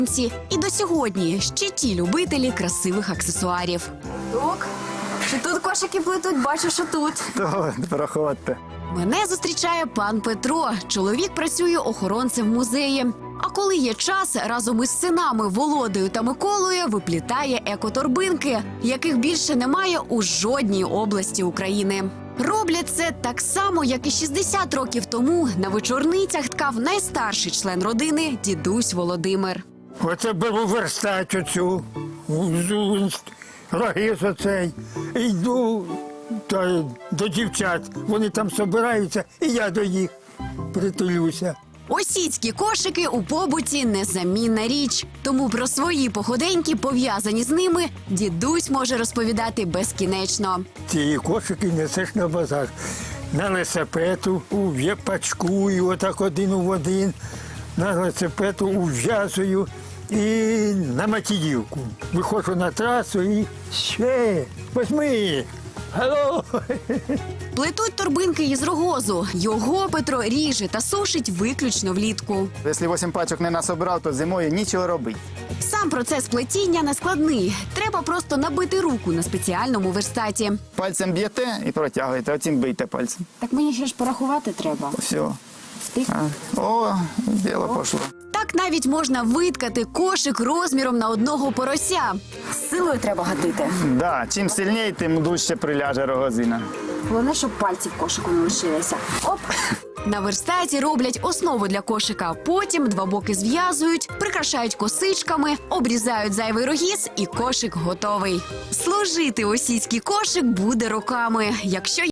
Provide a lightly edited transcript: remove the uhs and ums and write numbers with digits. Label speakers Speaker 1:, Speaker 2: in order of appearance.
Speaker 1: І до сьогодні ще ті любителі красивих аксесуарів.
Speaker 2: Чи тут кошики плетуть? Бачу, що тут.
Speaker 3: То проходьте.
Speaker 1: Мене зустрічає пан Петро. Чоловік працює охоронцем в музеї. А коли є час, разом із синами Володею та Миколою виплітає екоторбинки, яких більше немає у жодній області України. Роблять це так само, як і 60 років тому на вечорницях ткав найстарший член родини – дідусь Володимир.
Speaker 3: Оце беру верстать оцю, рогиз оцей, і йду до дівчат. Вони там збираються, і я до їх притулюся.
Speaker 1: Осіцькі кошики у побуті – незамінна річ. Тому про свої походеньки, пов'язані з ними, дідусь може розповідати безкінечно.
Speaker 3: Ці кошики несеш на базар. На велосипеду пачкую, отак один в один. На велосипеду ув'язую і на макіївку. Виходжу на трасу і ще, возьми. Алло!
Speaker 1: Плетуть торбинки із рогозу. Його Петро ріже та сушить виключно влітку.
Speaker 4: Якщо 8 пачок не насобирав, то зимою нічого робити.
Speaker 1: Сам процес плетіння не складний. Треба просто набити руку на спеціальному верстаті.
Speaker 4: Пальцем б'єте і протягуєте, оцім бийте пальцем.
Speaker 2: Так мені ще ж порахувати треба.
Speaker 4: Все. О, діло пішло.
Speaker 1: Так навіть можна виткати кошик розміром на одного порося.
Speaker 2: З силою треба гатити.
Speaker 4: Да, чим сильніше, тим дужче приляже рогозина.
Speaker 2: Головне, щоб пальці в кошику не лишилися. Оп!
Speaker 1: На верстаті роблять основу для кошика. Потім два боки зв'язують, прикрашають косичками, обрізають зайвий рогіз і кошик готовий. Служити осіцький кошик буде роками, якщо